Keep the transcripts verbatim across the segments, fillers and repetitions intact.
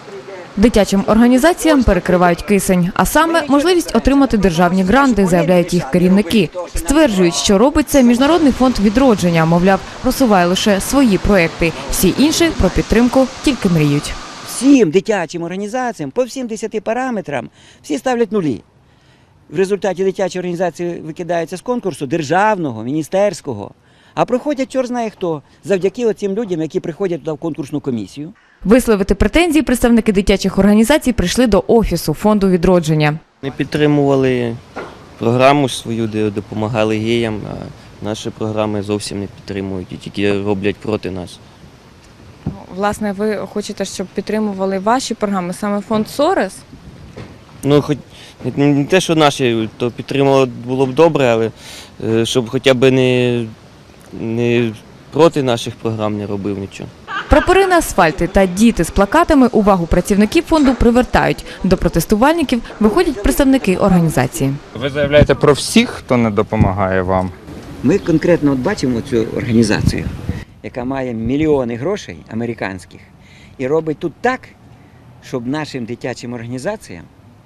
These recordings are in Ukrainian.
Дитячим організаціям перекривають кисень, а саме можливість отримати державні гранти, заявляють їх керівники. Стверджують, що робить це Міжнародний фонд відродження, мовляв, просуває лише свої проекти. Всі інші про підтримку тільки мріють. Всім дитячим організаціям по всім десяти параметрам всі ставлять нулі. В результаті дитячі організації викидаються з конкурсу державного, міністерського, а проходять чорт знає хто, завдяки оцим людям, які приходять туди в конкурсну комісію. Висловити претензії представники дитячих організацій прийшли до Офісу фонду відродження. Ми підтримували програму свою, де допомагали геям, а наші програми зовсім не підтримують і тільки роблять проти нас. Власне, ви хочете, щоб підтримували ваші програми, саме фонд Сорос? Ну, хоч не те, що наші, то підтримували було б добре, але щоб хоча б не, не проти наших програм не робив нічого. Прапори на асфальті та діти з плакатами увагу працівників фонду привертають. До протестувальників виходять представники організації. Ви заявляєте про всіх, хто не допомагає вам? Ми конкретно от бачимо цю організацію, яка має мільйони грошей американських і робить тут так, щоб нашим дитячим організаціям,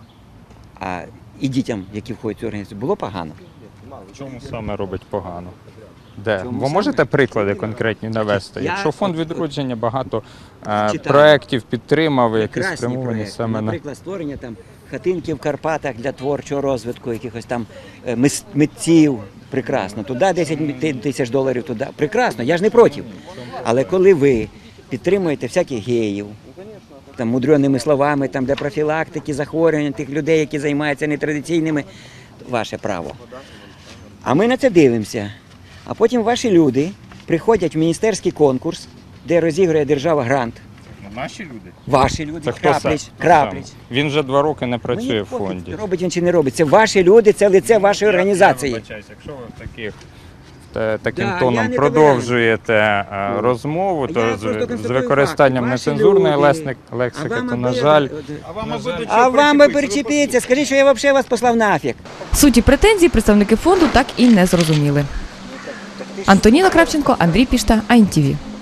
а і дітям, які входять в цю організацію, було погано. В чому саме робить погано? Де? Чому Ви можете саме? приклади конкретні навести? Я- Якщо фонд відродження багато е, Читаю. проєктів підтримав, які Прекрасні спрямовані проекти. саме на... Наприклад, створення там хатинки в Карпатах для творчого розвитку, якихось там е, мис- митців. Прекрасно. Туди десять тисяч доларів, туди. Прекрасно, я ж не проти. Але коли ви підтримуєте всяких геїв, там, мудреними словами, там, для профілактики захворювань тих людей, які займаються нетрадиційними, ваше право. А ми на це дивимося. А потім ваші люди приходять в міністерський конкурс, де розігрує держава грант. Наші люди? Ваші люди, Це хто Крапліч, сам? Крапліч. Він вже два роки не працює Мені в пофіг, фонді. робить він чи не робить. Це ваші люди, це лице вашої організації. Я вибачаюсь, якщо ви таких та- таким Да, я тоном не продовжуєте е, розмову, Я то просто з, з констатую використанням факти. Ваші нецензурної люди. лесник- лексики, А вам то, аби- на жаль, А вам би перечепіться, скажіть, що я взагалі вас послав нафіг. Суті претензій представники фонду так і не зрозуміли. Антоніна Кравченко, Андрій Пішта, АйНТІВІ.